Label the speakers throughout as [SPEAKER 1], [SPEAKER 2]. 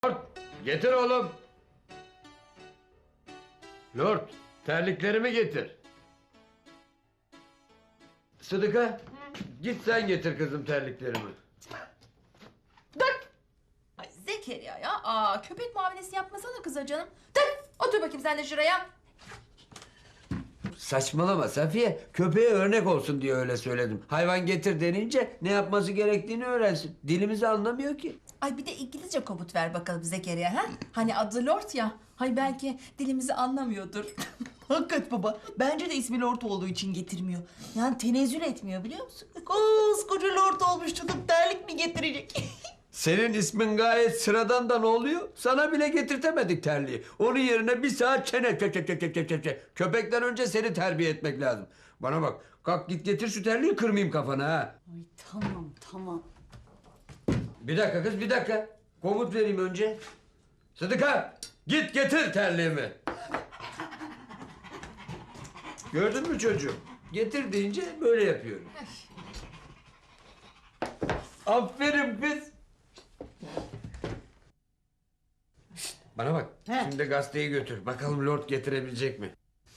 [SPEAKER 1] Lord, getir oğlum. Lord, terliklerimi getir. Sıdıka, git sen getir kızım terliklerimi.
[SPEAKER 2] Dur! Ay Zekeriya ya. Köpek muamelesi yapmasana kıza canım. Dur! Otur bakayım sen de şuraya.
[SPEAKER 1] Saçmalama Safiye, köpeğe örnek olsun diye öyle söyledim. Hayvan getir denince ne yapması gerektiğini öğrensin. Dilimizi anlamıyor ki.
[SPEAKER 2] Ay bir de İngilizce komut ver bakalım Zekeriya ha? Hani adı Lord ya. Hay belki dilimizi anlamıyordur.
[SPEAKER 3] Hakikat baba. Bence de ismi Lord olduğu için getirmiyor. Yani tenezzül etmiyor biliyor musun? Koskoca Lord olmuş tutup terlik mi getirecek?
[SPEAKER 1] Senin ismin gayet sıradan da ne oluyor? Sana bile getirtemedik terliği. Onun yerine bir saat çene çe. Köpekten önce seni terbiye etmek lazım. Bana bak, kalk git getir şu terliği, kırmayayım kafana ha.
[SPEAKER 3] Ay tamam tamam.
[SPEAKER 1] Bir dakika kız, bir dakika. Komut vereyim önce. Sıdıka, git getir terliğimi. Gördün mü çocuğum? Getir deyince böyle yapıyorum. Aferin kız. Şişt, bana bak.
[SPEAKER 3] He.
[SPEAKER 1] Şimdi gazeteyi götür. Bakalım Lord getirebilecek mi?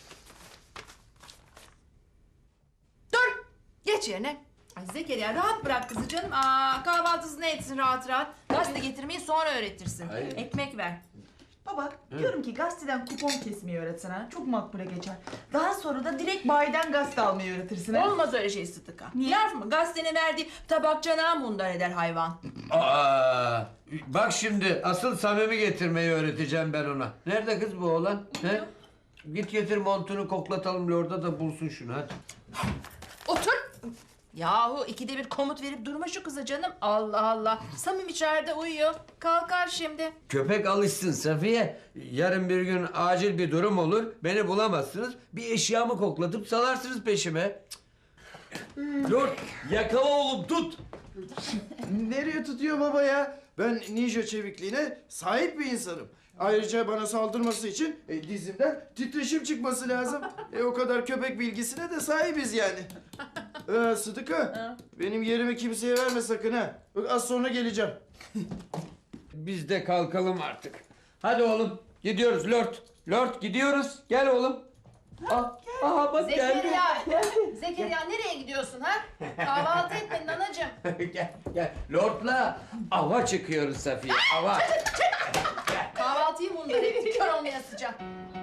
[SPEAKER 2] Dur! Geç yerine. Ay Zekeriya rahat bırak kızı canım. Kahvaltısını etsin rahat rahat. Gazete getirmeyi sonra öğretirsin.
[SPEAKER 1] Hayır.
[SPEAKER 2] Ekmek ver.
[SPEAKER 3] Baba diyorum ki gazeteden kupon kesmeyi öğretsen ha. Çok makbule geçer. Daha sonra da direkt bayiden gazete almayı öğretirsin ha.
[SPEAKER 2] Olmaz öyle şey Sıtıka.
[SPEAKER 3] Niye?
[SPEAKER 2] Laf mı? Gazetenin verdiği tabakçanağı mundar eder hayvan.
[SPEAKER 1] Aa, bak şimdi asıl Samim'i getirmeyi öğreteceğim ben ona. Nerede kız bu oğlan? He? Git getir montunu, koklatalım Lord'a da bulsun şunu hadi.
[SPEAKER 2] Otur. Yahu ikide bir komut verip durma şu kıza canım. Allah Allah. Samim içeride uyuyor. Kalkar şimdi.
[SPEAKER 1] Köpek alışsın Safiye. Yarın bir gün acil bir durum olur. Beni bulamazsınız. Bir eşyamı koklatıp salarsınız peşime. Lord, yakala oğlum, tut.
[SPEAKER 4] Nereye tutuyor baba ya? Ben ninja çevikliğine sahip bir insanım. Ayrıca bana saldırması için dizimden titreşim çıkması lazım. O kadar köpek bilgisine de sahibiz yani. Sıdıka, benim yerimi kimseye verme sakın ha. Bak az sonra geleceğim.
[SPEAKER 1] Biz de kalkalım artık. Hadi oğlum, gidiyoruz Lord. Lord gidiyoruz. Gel oğlum. Aha bak geldi.
[SPEAKER 2] Zekeriya. Zekeriya nereye gidiyorsun ha? Kahvaltı etmedin anacığım.
[SPEAKER 1] Gel gel. Lord'la ava çıkıyoruz Safiye. Ava.
[SPEAKER 2] Kahvaltıyı mundar etti. Kör olmaya sıcak.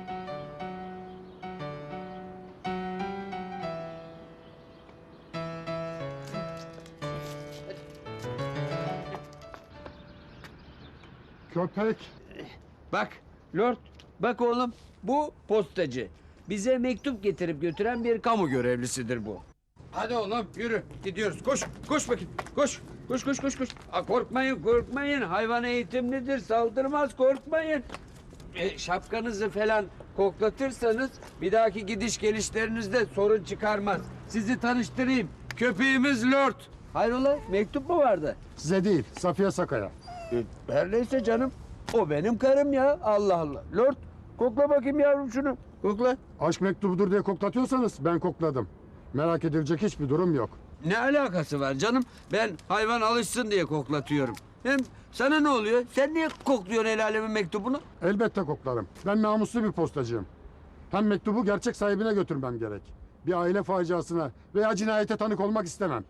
[SPEAKER 5] Köpek.
[SPEAKER 1] Bak Lord, bak oğlum, bu postacı. Bize mektup getirip götüren bir kamu görevlisidir bu. Hadi oğlum yürü, gidiyoruz. Koş, koş bakayım. Koş, koş, koş, koş, koş. Korkmayın, korkmayın. Hayvan eğitimlidir, saldırmaz, korkmayın. Şapkanızı falan koklatırsanız bir dahaki gidiş gelişlerinizde sorun çıkarmaz. Sizi tanıştırayım. Köpeğimiz Lord. Hayrola, mektup mu vardı?
[SPEAKER 5] Size değil, Safiye Sakaya.
[SPEAKER 1] Her neyse canım. O benim karım ya. Allah Allah. Lord, kokla bakayım yavrum şunu. Kokla.
[SPEAKER 5] Aşk mektubudur diye koklatıyorsanız ben kokladım. Merak edilecek hiçbir durum yok.
[SPEAKER 1] Ne alakası var canım? Ben hayvan alışsın diye koklatıyorum. Hem sana ne oluyor? Sen niye kokluyorsun el alemin mektubunu?
[SPEAKER 5] Elbette koklarım. Ben namuslu bir postacıyım. Hem mektubu gerçek sahibine götürmem gerek. Bir aile faciasına veya cinayete tanık olmak istemem.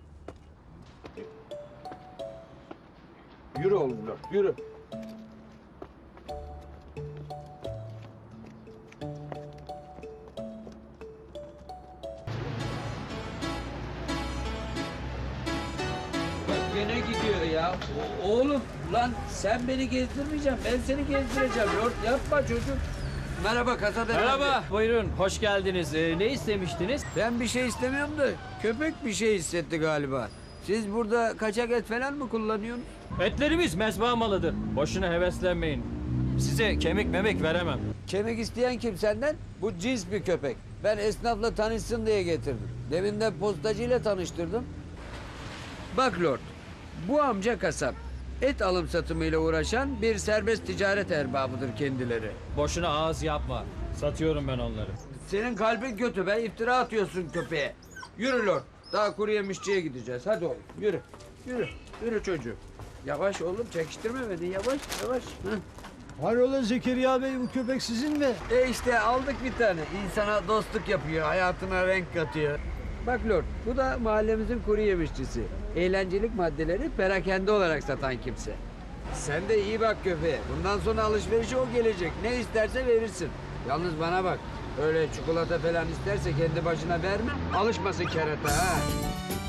[SPEAKER 1] Yürü oğlum Lord, yürü. Bak gene gidiyor ya. Oğlum lan sen beni gezdirmeyeceksin. Ben seni gezdireceğim Lord. Yapma çocuk. Merhaba kasada.
[SPEAKER 6] Merhaba, buyurun. Hoş geldiniz. Ne istemiştiniz?
[SPEAKER 1] Ben bir şey istemiyorum da köpek bir şey hissetti galiba. Siz burada kaçak et falan mı kullanıyorsunuz?
[SPEAKER 6] Etlerimiz mezba malıdır. Boşuna heveslenmeyin. Size kemik memek veremem.
[SPEAKER 1] Kemik isteyen kim senden? Bu cins bir köpek. Ben esnafla tanışsın diye getirdim. Demin de postacıyla tanıştırdım. Bak Lord, bu amca kasap. Et alım satımıyla uğraşan bir serbest ticaret erbabıdır kendileri.
[SPEAKER 6] Boşuna ağız yapma. Satıyorum ben onları.
[SPEAKER 1] Senin kalbin kötü be, iftira atıyorsun köpeğe. Yürü Lord, daha kuru yemişçiye gideceğiz. Hadi oğlum, yürü. Yürü, yürü çocuğum. Yavaş oğlum çekiştirme beni yavaş yavaş. Heh.
[SPEAKER 7] Hayrola Zekeriya Bey, bu köpek sizin mi?
[SPEAKER 1] İşte aldık bir tane. İnsana dostluk yapıyor, hayatına renk katıyor. Bak Lord, bu da mahallemizin kuru yemişçisi. Eğlencelik maddeleri perakende olarak satan kimse. Sen de iyi bak köpeğe. Bundan sonra alışverişe o gelecek. Ne isterse verirsin. Yalnız bana bak. Öyle çikolata falan isterse kendi başına verme. Alışmasın kerata ha.